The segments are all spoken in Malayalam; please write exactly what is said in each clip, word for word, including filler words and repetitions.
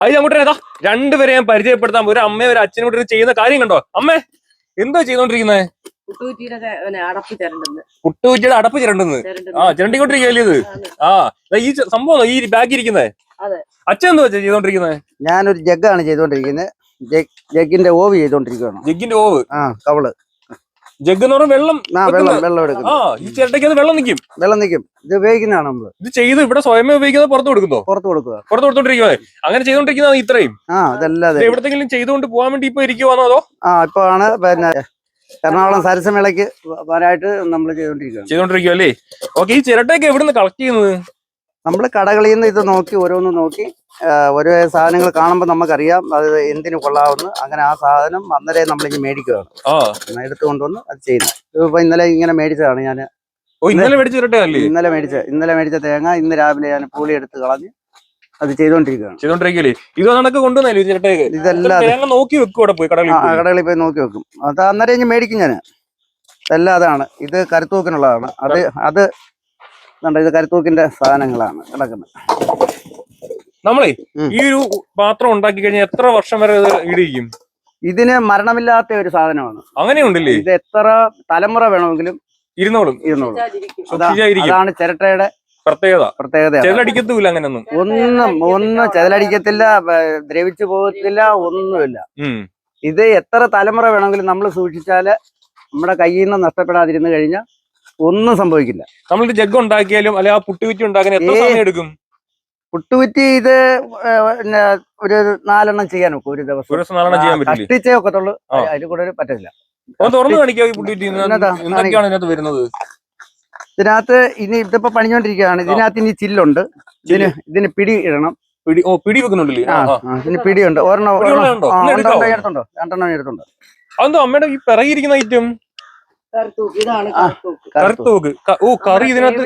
അത് അങ്ങോട്ടേതാ രണ്ടുപേരെ ഞാൻ പരിചയപ്പെടുത്താൻ ഒരു അമ്മയെ ഒരു അച്ഛനും കൂടി ചെയ്യുന്ന കാര്യം കണ്ടോ. അമ്മേ എന്തോ ചെയ്തോണ്ടിരിക്കുന്നത്? പുട്ടുകുറ്റിയുടെ അടപ്പ് ചിരണ്ടെന്ന്. ആ ചിരണ്ടിക്കൊണ്ടിരിക്കുകയല്ലേ ഇത്? ആ ഈ സംഭവം ഈ ബാഗ് ഇരിക്കുന്നത് അച്ഛൻ എന്തോ ചെയ്തോണ്ടിരിക്കുന്നത്? ഞാനൊരു ജഗ്ഗാണ് ചെയ്തോണ്ടിരിക്കുന്നത്. ജഗ്ഗിന്റെ ഓവ് ചെയ്തോണ്ടിരിക്കുകയാണ്. ജഗ്ഗിന്റെ ഓവ്? ആ കവള്. ജഗ് എന്ന് പറഞ്ഞാൽ വെള്ളം. ആ വെള്ളം വെള്ളം എടുക്കും. ആ ഈ ചിരട്ടയ്ക്ക് അത് വെള്ളം നിൽക്കും. വെള്ളം നിൽക്കും. ഇത് ഉപയോഗിക്കുന്നതാണ് നമ്മള്. ഇത് ചെയ്ത് ഇവിടെ സ്വയമേ ഉപയോഗിക്കുന്നത് പുറത്ത് കൊടുക്കുന്നോ? പുറത്ത് കൊടുക്കുക. പുറത്ത് കൊടുത്തോണ്ടിരിക്കുന്നത്. അങ്ങനെ ചെയ്തോണ്ടിരിക്കുന്നത് ഇത്രയും? ആ അതല്ലാതെ എവിടത്തെങ്കിലും ചെയ്തുകൊണ്ട് പോകാൻ വേണ്ടി ഇപ്പൊ ഇരിക്കുവാണോ അതോ? ആ ഇപ്പൊ ആണ് പിന്നെ എറണാകുളം സരസമേളയ്ക്ക് വരാനായിട്ട് നമ്മൾ ചെയ്തോണ്ടിരിക്കുകയാണ്. ചെയ്തോണ്ടിരിക്കുക അല്ലേ? ഓക്കെ. ഈ ചിരട്ടയൊക്കെ എവിടുന്ന് കളക്ട് ചെയ്യുന്നത്? നമ്മള് കടകളിൽ നിന്ന് ഇത് നോക്കി ഓരോന്ന് നോക്കി ഓരോ സാധനങ്ങൾ കാണുമ്പോൾ നമുക്കറിയാം അത് എന്തിനു കൊള്ളാവുന്ന. അങ്ങനെ ആ സാധനം അന്നേരം നമ്മളിങ്ങനെ മേടിക്കുകയാണ്. എടുത്തു കൊണ്ടുവന്ന് അത് ചെയ്യുന്നത്. ഇപ്പൊ ഇന്നലെ ഇങ്ങനെ മേടിച്ചതാണ് ഞാൻ. ഇന്നലെ മേടിച്ച ചിരട്ടയല്ലേ? ഇന്നലെ മേടിച്ച ഇന്നലെ മേടിച്ച തേങ്ങ ഇന്ന് രാവിലെ ഞാൻ പൂളി എടുത്ത് കളഞ്ഞ് അത് ചെയ്തോണ്ടിരിക്കുകയാണ്. ചെയ്തോണ്ടിരിക്കല്ലേ? ഇത് കണക്ക് കൊണ്ടുവന്നല്ലേ ചിരട്ടയൊക്കെ? ഇതെല്ലാം തേങ്ങ നോക്കി വെക്കും. അവിടെ പോയി കടകളിൽ കടകളിൽ പോയി നോക്കി വെക്കും. അത് അന്നേരം ഇനി മേടിക്കും ഞാൻ. ഇതെല്ലാം അതാണ്. ഇത് കരുത്തൂക്കിനുള്ളതാണ്. അത് അത് ഇത് കരുത്തൂക്കിന്റെ സാധനങ്ങളാണ് കിടക്കുന്നത്. നമ്മളെ ഈ ഒരു പാത്രം ഉണ്ടാക്കി കഴിഞ്ഞാൽ എത്ര വർഷം വരെ ഇടിയിരിക്കും? ഇതിന് മരണമില്ലാത്ത ഒരു സാധനമാണ്. അങ്ങനെയുണ്ടല്ലേ? ഇത് എത്ര തലമുറ വേണമെങ്കിലും ഇരുന്നോളും. ഇരുന്നോളും. അതാണ് ചിരട്ടയുടെ പ്രത്യേകത. പ്രത്യേകത ചെതലടിക്കത്തില്ല. അങ്ങനെയൊന്നും ഒന്നും ഒന്നും ചെതലടിക്കത്തില്ല, ദ്രവിച്ചു പോകത്തില്ല, ഒന്നുമില്ല. ഇത് എത്ര തലമുറ വേണമെങ്കിലും നമ്മൾ സൂക്ഷിച്ചാല് നമ്മുടെ കയ്യിൽ നിന്ന് നഷ്ടപ്പെടാതിരുന്നു കഴിഞ്ഞാൽ ഒന്നും സംഭവിക്കില്ല. നമ്മൾ ജഗ് ഉണ്ടാക്കിയാലും അല്ലെ ആ പുട്ടുകുറ്റി ഉണ്ടാക്കാൻ എത്ര സമയം എടുക്കും? പുട്ടുകുറ്റി ഇത് ഒരു നാലെണ്ണം ചെയ്യാൻ നോക്കും ഒരു ദിവസം. ഒരു ദിവസം നാലെണ്ണം ചെയ്യാൻ പറ്റില്ല. കഷ്ടിച്ചേ ഒക്കത്തുള്ളൂ. അതിൽ കൂടുതൽ പറ്റില്ല. തുറന്നു കാണിക്കാ ഈ പുട്ടുകുറ്റി എന്തൊക്കെയാണ് ഇതിനകത്ത് വരുന്നത്? ഇതിനകത്ത് ഇനി ഇതിപ്പോ പണിഞ്ഞോണ്ടിരിക്കുകയാണ്. ഇതിനകത്ത് ഇനി ചില്ലുണ്ട്. ഇതിന് ഇതിന് പിടി ഇടണം. പിടി ഓ പിടി വെക്കുന്നുണ്ടല്ലേ? ഇതിന് പിടിയുണ്ട്. ഒരെണ്ണം എടുത്തുണ്ടോ? രണ്ടെണ്ണം എടുത്തുണ്ട്. അതെന്തോ അമ്മയുടെ ഈ പിറകിരിക്കുന്ന ഐറ്റം? കറുത്തൂക്ക്. ഓ കറി ഇതിനകത്ത്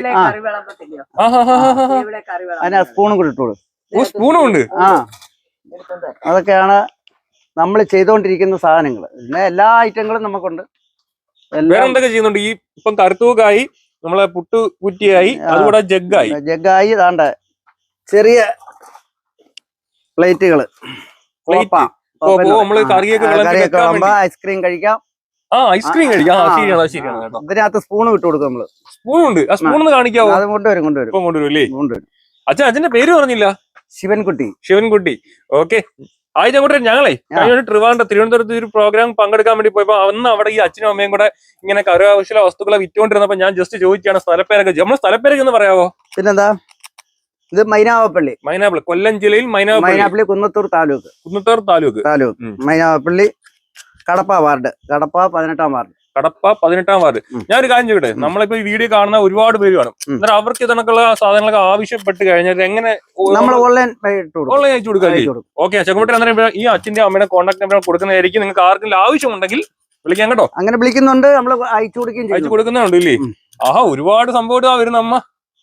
അതിനകത്ത് സ്പൂണും കൂടി ഇട്ടോളൂ. ഓ സ്പൂണും ഉണ്ട്. ആ അതൊക്കെയാണ് നമ്മൾ ചെയ്തോണ്ടിരിക്കുന്ന സാധനങ്ങൾ. പിന്നെ എല്ലാ ഐറ്റങ്ങളും നമുക്കുണ്ട്. വേറെ എന്തൊക്കെ ചെയ്യുന്നുണ്ട്? ഈ ഇപ്പം കറുത്തൂക്കായി, നമ്മളെ പുട്ടു കുറ്റിയായി, അതുകൂടെ ജഗ്ഗായി. ജഗ്ഗായി താണ്ട ചെറിയ പ്ലേറ്റുകള്. നമ്മള് കറിയൊക്കെ ഐസ്ക്രീം കഴിക്കാം. ആ ഐസ്ക്രീം കഴിക്കാം. ശരിയാണ് ശരിയാണ് കേട്ടോ. ഇതിനകത്ത് സ്പൂൺ ഇട്ട് കൊടുക്കും നമ്മള്. സ്പൂണുണ്ട്. ആ സ്പൂൺ കാണിക്കാവോ? അത് കൊണ്ടുവരും കൊണ്ടുവരും കൊണ്ടുവരും അല്ലേ? കൊണ്ടുവരും. അച്ഛൻ അച്ഛന്റെ പേര് പറഞ്ഞില്ല. ശിവൻകുട്ടി. ശിവൻകുട്ടി. ഓക്കെ. ആദ്യം അങ്ങോട്ട് ഞങ്ങളെ കഴിഞ്ഞ ട്രിവാൻഡ്രം തിരുവനന്തപുരത്ത് ഒരു പ്രോഗ്രാം പങ്കെടുക്കാൻ വേണ്ടി പോയപ്പോ അന്ന് അവിടെ ഈ അച്ഛനും അമ്മയും കൂടെ ഇങ്ങനെ കരകൗശല വസ്തുക്കളെ വിറ്റുകൊണ്ടിരുന്നപ്പോ ഞാൻ ജസ്റ്റ് ചോദിക്കുകയാണ് സ്ഥലപ്പേരൊക്കെ. നമ്മളെ സ്ഥലപ്പേരൊക്കെ ഒന്ന് പറയാവോ? പിന്നെന്താ? ഇത് മൈനാവപ്പള്ളി. മൈനാപ്പള്ളി കൊല്ലം ജില്ലയിൽ മൈനാപ്പള്ളി കുന്നത്തൂർ താലൂക്ക്. കുന്നത്തൂർ താലൂക്ക് താലൂക്ക് മൈനാവപ്പള്ളി കടപ്പ വാർഡ്. കടപ്പ പതിനെട്ടാം വാർഡ്. കടപ്പ പതിനെട്ടാം വാർഡ്. ഞാൻ ഒരു കാര്യം ചോദിക്കട്ടെ, നമ്മളിപ്പോ ഈ വീഡിയോ കാണുന്ന ഒരുപാട് പേര് കാണും. എന്നാൽ അവർക്ക് ഇതിനൊക്കെയുള്ള സാധനങ്ങളൊക്കെ ആവശ്യപ്പെട്ട് കഴിഞ്ഞാൽ എങ്ങനെ നമ്മൾ ഓൺലൈൻ ഓൺലൈൻ അയച്ചു കൊടുക്കാം? ഓക്കെ. ചെക്കമ്പട്ടി അന്നേരം ഈ അച്ഛന്റെ അമ്മയുടെ കോൺടാക്ട് നമ്പർ കൊടുക്കുന്നതായിരിക്കും. നിങ്ങൾക്ക് ആർക്കെങ്കിലും ആവശ്യമുണ്ടെങ്കിൽ വിളിക്കാൻ കേട്ടോ. അങ്ങനെ വിളിക്കുന്നുണ്ട്. നമ്മൾ അയച്ചു കൊടുക്കുകയും അയച്ചു കൊടുക്കുന്നുണ്ട് ഇല്ലേ? ആഹാ ഒരുപാട് സംഭവം വരുന്ന അമ്മ.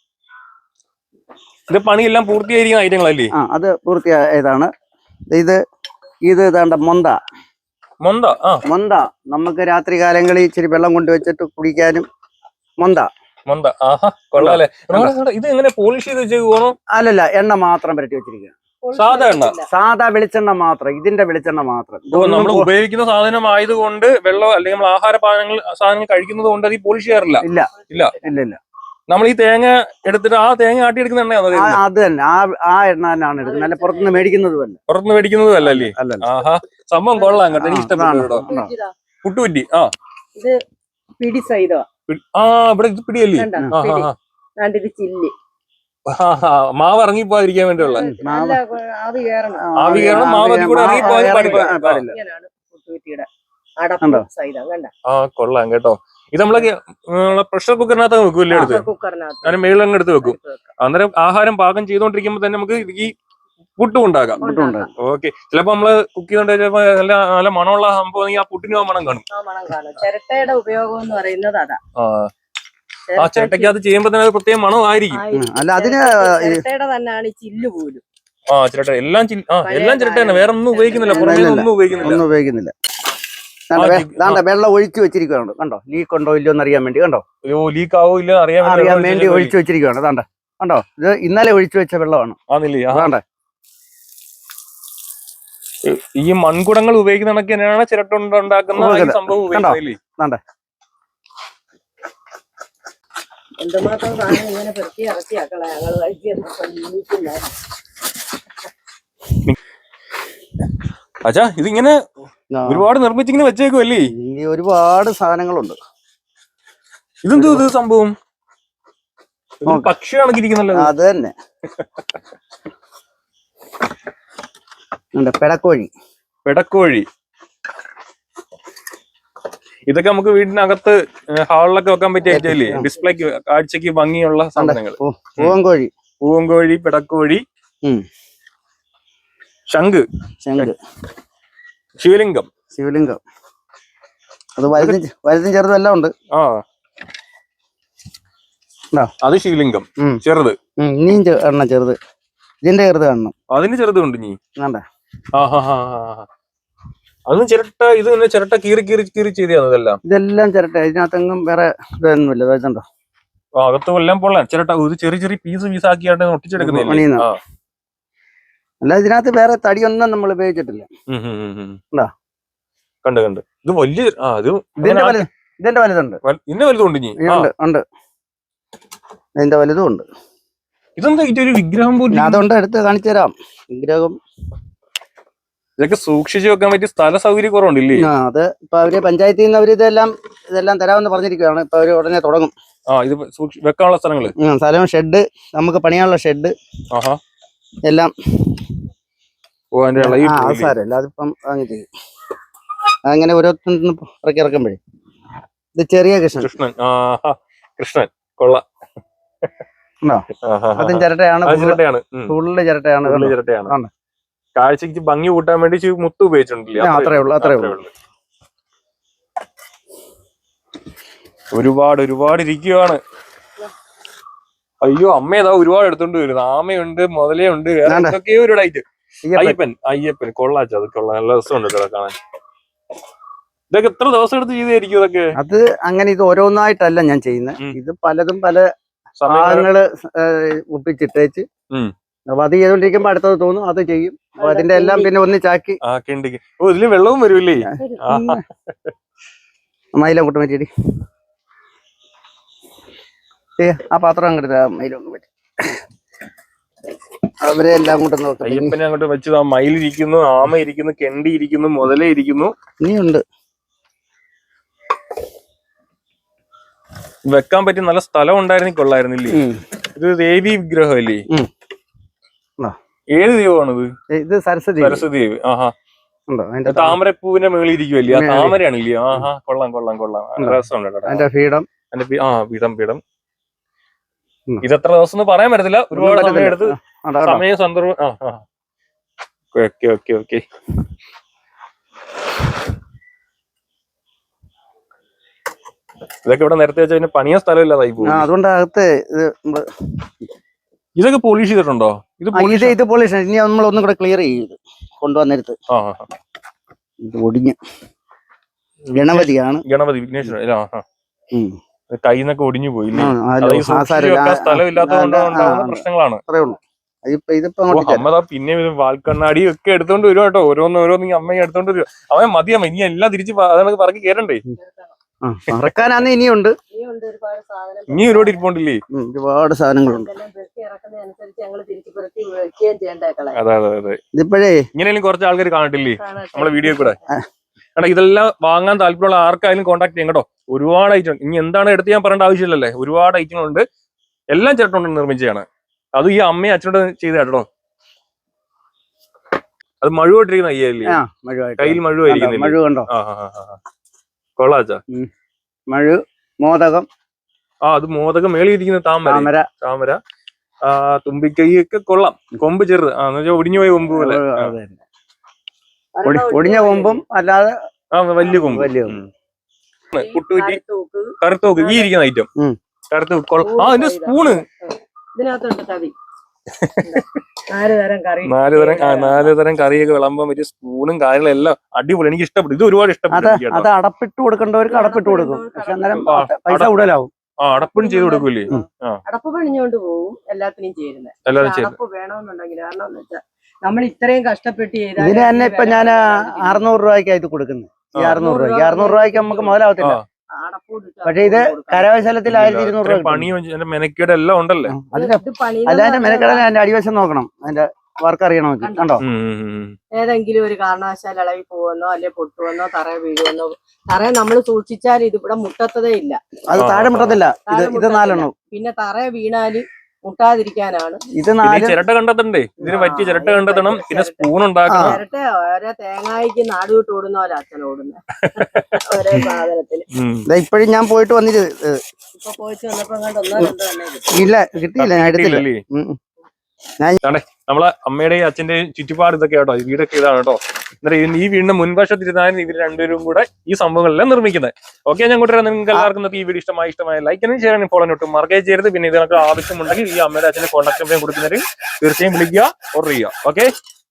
ഇത് പണിയെല്ലാം പൂർത്തിയായിരിക്കുന്ന ഐറ്റങ്ങളല്ലേ? ആ അത് പൂർത്തിയായതാണ്. ഇത് ഇത് ഇതാണ്ട മൊന്ത. മൊന്ത. ആ മൊന്ത നമുക്ക് രാത്രി കാലങ്ങളിൽ ഇച്ചിരി വെള്ളം കൊണ്ട് വെച്ചിട്ട് കുടിക്കാനും മൊന്ത. മൊന്ത. ആഹാ കൊള്ളാല്ലേ. ഇത് എങ്ങനെ പോളിഷ് ചെയ്ത് വെച്ചേക്കോ? അല്ലല്ല, എണ്ണ മാത്രം പുരട്ടി വെച്ചിരിക്കുക. സാധാ എണ്ണ, സാധാ വെളിച്ചെണ്ണ മാത്രം. ഇതിന്റെ വെളിച്ചെണ്ണ മാത്രം. നമ്മൾ ഉപയോഗിക്കുന്ന സാധനം ആയതുകൊണ്ട് വെള്ളം അല്ലെങ്കിൽ നമ്മൾ ആഹാര പാനങ്ങൾ സാധനങ്ങൾ കഴിക്കുന്നത് കൊണ്ട് അത് പോളിഷ് ചെയ്യാറില്ല. ഇല്ല ഇല്ല ഇല്ല ഇല്ല നമ്മൾ ഈ തേങ്ങ എടുത്തിട്ട് ആ തേങ്ങ ആട്ടിയെടുക്കുന്ന എണ്ണയാണോ? അത് തന്നെ. ആ ആ എണ്ണ തന്നെയാണ് എടുക്കുന്നത്. അല്ല പുറത്തുനിന്ന് മേടിക്കുന്നതും അല്ല. പുറത്തുനിന്ന് മേടിക്കുന്നതും അല്ലല്ലേ? ആഹാ സംഭവം കൊള്ളാം കേട്ടോ. എനിക്ക് ഇഷ്ടപ്പെട്ടു. പുട്ടുകുറ്റി. ആ ഇത് പിടി സൈതോ. ആ ഇവിടെ ഇത് പിടിയല്ലേ? ചില്ലി മാവ് ഇറങ്ങി പോകാതിരിക്കാൻ വേണ്ടിയുള്ള ആവി കയറണം. ആവി കയറണം. മാവ് അതിൽ കൂടെ ഇറങ്ങി പോകാൻ പാടില്ല. ആ കൊള്ളാം കേട്ടോ. ഇത് നമ്മള് പ്രഷർ കുക്കറിനകത്ത് വെക്കൂല്ലേ? എടുത്ത് അതിന് മേളിൽ അങ്ങ് എടുത്ത് വെക്കും. അന്നേരം ആഹാരം പാകം ചെയ്തോണ്ടിരിക്കുമ്പോ തന്നെ നമുക്ക് ഈ പുട്ടും ഉണ്ടാക്കാം. ഓക്കെ. ചിലപ്പോ നമ്മള് കുക്ക് ചെയ്തോണ്ട് ചിലപ്പോ നല്ല നല്ല മണമുള്ള സംഭവം ആ പുട്ടിനും ആ മണം കാണും. ചിരട്ടയുടെ ഉപയോഗം എന്ന് പറയുന്നത് അതാ. ആ ചിരട്ടയ്ക്ക് അത് ചെയ്യുമ്പോ തന്നെ അത് പ്രത്യേകം മണമായിരിക്കും. അല്ല അതിന് ചിരട്ടയുടെ തന്നെയാണ് ഈ ചില്ല് പോലും. ആ ചിരട്ട എല്ലാം എല്ലാം ചിരട്ട തന്നെ. വേറെ ഒന്നും ഉപയോഗിക്കുന്നില്ല. പുറമേ ഒന്നും ഉപയോഗിക്കുന്നില്ല. ഒന്നും ഉപയോഗിക്കുന്നില്ല. വെള്ളം ഒഴിച്ചു വെച്ചിരിക്കുകയാണ്. കണ്ടോ? ലീക്ക് ഉണ്ടോ ഇല്ലയോ എന്ന് അറിയാൻ വേണ്ടി. കണ്ടോ? ലീക്ക് ആവോ ഇല്ല അറിയാൻ അറിയാൻ വേണ്ടി ഒഴിച്ചു വെച്ചിരിക്കുകയാണ്. അതാണ്ട കണ്ടോ? ഇത് ഇന്നലെ ഒഴിച്ചു വെച്ച വെള്ളമാണ്. ആണല്ലേ? ഈ മൺകുടങ്ങൾ ഉപയോഗിക്കുന്ന കണക്ക് തന്നെയാണ് ചിരട്ട കൊണ്ട് ഉണ്ടാക്കുന്ന ഈ സംഭവം ഉപയോഗിക്കുന്നത്. എന്തുമാത്രം സാധനം ഇങ്ങനെ പെറുക്കി ഇറക്കിയാക്കളെ ഞങ്ങൾ കഴിക്കുന്ന. അച്ഛാ ഇതിങ്ങനെ ഒരുപാട് നിർമ്മിച്ചിങ്ങനെ വെച്ചേക്കുമല്ലേ? ഒരുപാട് സാധനങ്ങളുണ്ട്. ഇതെന്തോ ഇത് സംഭവം? പക്ഷി കണക്കിരിക്കുന്നല്ലോ. അത് തന്നെ പെടക്കോഴി. പെടക്കോഴി ഇതൊക്കെ നമുക്ക് വീടിനകത്ത് ഹാളിലൊക്കെ വെക്കാൻ പറ്റിയ ഐറ്റമല്ലേ? ഡിസ്പ്ലേക്ക് കാഴ്ചക്ക് ഭംഗിയുള്ള സാധനങ്ങൾ. പൂവൻകോഴി, പൂവൻകോഴി, പെടക്കോഴി, ശംഖ്, ശംഖ്, ശിവലിംഗം, ശിവലിംഗം. അത് വലുതും വലുതും ചെറുതും എല്ലാം ഉണ്ട്. ആ അത് ശിവലിംഗം ചെറുത്. ഇനിയും എണ്ണം ചെറുത്. ഇതിന്റെ ചെറുത് കാണണം. അതിന് ചെറുതുണ്ട് നീ. അതും ചിരട്ട. ഇത് തന്നെ ചിരട്ട കീറി കീറി കീറി ചെയ്താണ് ഇതെല്ലാം. ഇതെല്ലാം ചിരട്ട. ഇതിനകത്തെങ്ങും വേറെ ഇതൊന്നുമില്ല. ഇതുണ്ടോ അകത്തും എല്ലാം പൊള്ളാൻ ചിരട്ട. ഇത് ചെറിയ ചെറിയ പീസ് പീസ് ആക്കിയാണ്ട് ഒട്ടിച്ചെടുക്കുന്നില്ല. അല്ല ഇതിനകത്ത് വേറെ തടിയൊന്നും നമ്മൾ ഉപയോഗിച്ചിട്ടില്ല. കണ്ട് കണ്ട് ഇത് വലിയ ഇതിന്റെ വലുത് ഇതിന്റെ വലുതുണ്ട്. ഇതിന്റെ വലുതുണ്ട് നീ. ഉണ്ട് ഇതിന്റെ വലുതും ഉണ്ട്. ഇതെന്താ ഇതൊരു വിഗ്രഹം പോലും? അതുകൊണ്ട് എടുത്ത് കാണിച്ചു തരാം. വിഗ്രഹം ഇതൊക്കെ സൂക്ഷിച്ചു വെക്കാൻ പറ്റിയ സ്ഥല സൗകര്യ കുറവുണ്ടല്ലേ? ആ അത് ഇപ്പൊ അവര് പഞ്ചായത്തിൽ നിന്ന് അവര് ഇതെല്ലാം ഇതെല്ലാം തരാമെന്ന് പറഞ്ഞിരിക്കുകയാണ്. ഇപ്പൊ അവര് ഉടനെ തുടങ്ങും. ആ ഇത് വെക്കാനുള്ള സ്ഥലങ്ങള് സ്ഥലം, ഷെഡ്, നമുക്ക് പണിയാനുള്ള ഷെഡ് എല്ലാം. സാരമില്ല, അതിപ്പം അങ്ങനെ ചെയ്യും. അങ്ങനെ ഓരോരുത്തരും ഇറക്കി ഇറക്കുമ്പോഴേ. ഇത് ചെറിയ കൃഷ്ണൻ. കൃഷ്ണൻ കൃഷ്ണൻ കൊള്ള. അതും ചിരട്ടയാണ്. ചിരട്ടയാണ്. ഫുള്ള് ചിരട്ടയാണ്. ചിരട്ടയാണ്. കാഴ്ചക്ക് ഭംഗി കൂട്ടാൻ വേണ്ടി മുത്ത് ഉപയോഗിച്ചിട്ടില്ല. അത്രേ ഉള്ളൂ. അത്രേ ഉള്ളൂ. ഒരുപാട് ഒരുപാട് ഇരിക്കുകയാണ്. അയ്യോ അമ്മ ഏതാ ഒരുപാട് എടുത്തോണ്ട് വരുന്നത്. ആമയുണ്ട്, മുതലയുണ്ട്, വേറെ എന്തൊക്കെയോ ഒരു ഡൈറ്റ്. അയ്യപ്പൻ അയ്യപ്പൻ കൊള്ളാച്ച. അത് കൊള്ളാം. നല്ല രസമുണ്ട് കാണാൻ. ഇതൊക്കെ എത്ര ദിവസം എടുത്ത് ചെയ്തായിരിക്കും ഇതൊക്കെ? അത് അങ്ങനെ ഇത് ഓരോന്നായിട്ടല്ല ഞാൻ ചെയ്യുന്നത്. ഇത് പലതും പല സാധനങ്ങള് ഒപ്പിച്ചിട്ടേച്ച് അപ്പൊ അത് ചെയ്തോണ്ടിരിക്കുമ്പോ അടുത്തത് തോന്നും അത് ചെയ്യും. അപ്പൊ അതിന്റെ എല്ലാം പിന്നെ ഒന്നിച്ചാക്കി. ഓ ഇതില് വെള്ളവും വരുമല്ലേ? മയിലങ്ങോട്ട് പറ്റിയടി. ഏ ആ പാത്രം അങ്ങോട്ട് മയിലൊന്നും പറ്റി. അവരെ എല്ലാം കൂടെ നോക്കാം. അയ്യപ്പനെ അങ്ങോട്ട് വെച്ച് മയിലിരിക്കുന്നു, ആമ ഇരിക്കുന്നു, കെണ്ടി ഇരിക്കുന്നു, മുതല ഇരിക്കുന്നു. ഇനിയുണ്ട് വെക്കാൻ പറ്റിയ നല്ല സ്ഥലം ഉണ്ടായിരുന്നെങ്കിൽ കൊള്ളായിരുന്നില്ലേ? ഇത് ദേവി വിഗ്രഹം അല്ലേ? ഏത് ദൈവമാണിത്? ഇത് സരസ്വതി. സരസ്വതി ദേവി. ആഹാ. താമരപ്പൂവിന്റെ മേളിൽ ഇരിക്കുമല്ലേ? ആ താമരയാണില്ലേ? ആഹാ കൊള്ളാം കൊള്ളാം കൊള്ളാം. രസമുണ്ട്. അതിന്റെ പീഠം. ആ പീഠം പീഠം. ഇതെത്ര ദിവസം എന്ന് പറയാൻ പറ്റത്തില്ല. ഒരുപാട് സമയം എടുത്ത് സമയം സന്ദർഭം. ആ ആ ഓക്കെ ഓക്കെ ഓക്കെ. ഇതൊക്കെ ഇവിടെ നേരത്തെ വെച്ചാൽ പിന്നെ പണിയ സ്ഥലമില്ലാതായി പോകും. അതുകൊണ്ട് അകത്ത് ഇതൊക്കെ പോളിഷ് ചെയ്തിട്ടുണ്ടോ? ഇത് ഇത് ഇത് പോളിഷ്. ഇനി നമ്മൾ ഒന്നും കൂടെ ക്ലിയർ ചെയ്ത് കൊണ്ടുവന്നെടുത്ത്. ഇത് ഒടിഞ്ഞ് ഗണപതിയാണ്. ഗണപതി വിഘ്നേശ്വരൻ. കൈന്നൊക്കെ ഒടിഞ്ഞു പോയി. സ്ഥലം ഇല്ലാത്തതുകൊണ്ടുണ്ടാകുന്ന പ്രശ്നങ്ങളാണ്. അമ്മ പിന്നെ വാൽക്കണ്ണാടി ഒക്കെ എടുത്തോണ്ട് വരും കേട്ടോ. ഓരോന്ന് ഓരോന്ന് അമ്മ എടുത്തോണ്ട് വരും. അവൻ മതിയമ്മ ഇനി എല്ലാം തിരിച്ച് അതാണ് പറക്കി കേറണ്ടേ? മറക്കാനാന്ന് ഇനിയുണ്ട്. ഇനി ഒരുപാട് ഇരിപ്പുണ്ടല്ലേ? ഒരുപാട് സാധനങ്ങളുണ്ട്. അതെ അതെ അതെ. ഇതിപ്പോഴേ ഇങ്ങനെയും കുറച്ച് ആൾക്കാർ കാണട്ടില്ലേ നമ്മളെ വീഡിയോ കൂടെ? കാരണം ഇതെല്ലാം വാങ്ങാൻ താല്പര്യമുള്ള ആർക്കായാലും കോൺടാക്ട് ചെയ്യാം കേട്ടോ. ഒരുപാട് ഐറ്റം. ഇനി എന്താണ് എടുത്ത് ഞാൻ പറയേണ്ട ആവശ്യമില്ലല്ലേ? ഒരുപാട് ഐറ്റങ്ങളുണ്ട്. എല്ലാം ചിരട്ട കൊണ്ട് നിർമ്മിച്ചതാണ്. അത് ഈ അമ്മയും അച്ഛനോട് ചെയ്ത കേട്ടോ. അത് മഴുവായിട്ടിരിക്കുന്ന അയ്യല്ലേ? കയ്യിൽ മഴുവായിരിക്കുന്നു. കൊള്ളാച്ചാ. മഴു മോദകം. ആ അത് മോദകം. മേളിയിരിക്കുന്ന താമര. താമര. ആ തുമ്പിക്കൈ ഒക്കെ കൊള്ളാം. കൊമ്പ് ചെറുത്. ആ എന്ന് വെച്ചാൽ ഒടിഞ്ഞു പോയ കൊമ്പ് പോലെ. ഒടിഞ്ഞ കൊമ്പും അല്ലാതെ ആ വലിയ കൊമ്പ്. വലിയ കുട്ടുകുറ്റി. കറുത്തോക്ക്. ഈ ഇരിക്കുന്ന ഐറ്റം കറുത്തോക്ക് കൊള്ളാം. ആ അതിന്റെ സ്പൂണ്. നാല് തരം ആ നാല് തരം കറിയൊക്കെ വിളമ്പാൻ പറ്റിയ സ്പൂണും കാര്യങ്ങളും എല്ലാം അടിപൊളി. എനിക്ക് ഇഷ്ടപ്പെട്ടു. ഇത് ഒരുപാട് ഇഷ്ടപ്പെട്ടു. അത് അടപ്പിട്ട് കൊടുക്കേണ്ടവർക്ക് അടപ്പിട്ട് കൊടുക്കും. പക്ഷെ അന്നേരം പൈസ കൂടുതലാവും. ആ അടപ്പും ചെയ്ത് കൊടുക്കൂലേ? അടപ്പ് പണിഞ്ഞോണ്ട് പോകും. എല്ലാത്തിനും ചേരുന്നത്. അടപ്പ് വേണമെന്നുണ്ടെങ്കിൽ കാരണം എന്ന് വെച്ചാൽ നമ്മൾ ഇത്രയും കഷ്ടപ്പെട്ട് ചെയ്താൽ ഇതിന് തന്നെ ഇപ്പൊ ഞാൻ അറുന്നൂറ് രൂപയ്ക്കാണ് ഇത് കൊടുക്കുന്നത്. ഈ അറുന്നൂറ് രൂപയ്ക്ക് അറുന്നൂറ് രൂപയ്ക്ക് നമുക്ക് മുതലാവത്തില്ല. പക്ഷെ ഇത് കരകൗശലത്തിൽ ആയിരത്തി ഇരുന്നൂറ് രൂപ പണിയും മെനക്കേട് എല്ലാം ഉണ്ടല്ലേ. അതിന്റെ അല്ല അതിന്റെ മെനക്കെടാൻ അതിന്റെ അടിവശം നോക്കണം, അതിന്റെ വർക്ക് അറിയണമെങ്കിൽ. കണ്ടോ, ഏതെങ്കിലും ഒരു കാരണവശാൽ ഇളകി പോവെന്നോ അല്ലെ പൊട്ടുവെന്നോ തറ വീഴുവെന്നോ, തറ നമ്മൾ സൂക്ഷിച്ചാൽ ഇത് ഇവിടെ മുട്ടത്തതേ ഇല്ല. അത് താഴെ മുട്ടത്തില്ല. ഇത് ഇത് നാലെണ്ണം. പിന്നെ തറ വീണാല് മുട്ടാതിരിക്കാനാണ് ഇത് നാല്. ചിരട്ട കണ്ടെത്തണ്ടേ, ഇതിന് പറ്റിയ ചിരട്ട കണ്ടെത്തണം. പിന്നെ സ്പൂൺ ഉണ്ടാക്കണം. ചിരട്ട ഓരോ തേങ്ങായിക്ക് നാട് വിട്ട് ഓടുന്ന പോലെ അച്ഛൻ ഓടുന്നത് ഓരോ സാധനത്തിന്. ഇപ്പോഴും ഞാൻ പോയിട്ട് വന്നിട്ട് ഇപ്പൊ പോയിട്ട് വന്നപ്പോ കണ്ട് ഒന്നോ രണ്ടോ തന്നെ ഇല്ല, കിട്ടിയില്ല, ഞാൻ എടുത്തില്ല. നമ്മളെ അമ്മയുടെയും അച്ഛന്റെയും ചുറ്റുപാട് ഇതൊക്കെ കേട്ടോ. വീടൊക്കെ ഇതാണ് കേട്ടോ. എന്നിട്ട് ഈ വീടിന്റെ മുൻവശത്തിരുന്നാലും ഇവർ രണ്ടുപേരും കൂടെ ഈ സംഭവങ്ങളെല്ലാം നിർമ്മിക്കുന്നത്. ഓക്കെ, ഞാൻ കൂട്ടുകാരെ നിങ്ങൾക്ക് എല്ലാവർക്കും ഈ വീഡിയോ ഇഷ്ടമായി ഇഷ്ടമായ ലൈക്കിനും ഷെയറിനും ഫോളോ ഒട്ടും മറക്കുകയും ചെയ്യരുത്. പിന്നെ ഇതിനൊക്കെ ആവശ്യമുണ്ടെങ്കിൽ ഈ അമ്മയുടെ അച്ഛന്റെ കോൺടാക്ട് നമ്പർ കൊടുക്കുന്നവർ തീർച്ചയായും വിളിക്കുക, ഓർഡർ ചെയ്യുക. ഓക്കെ.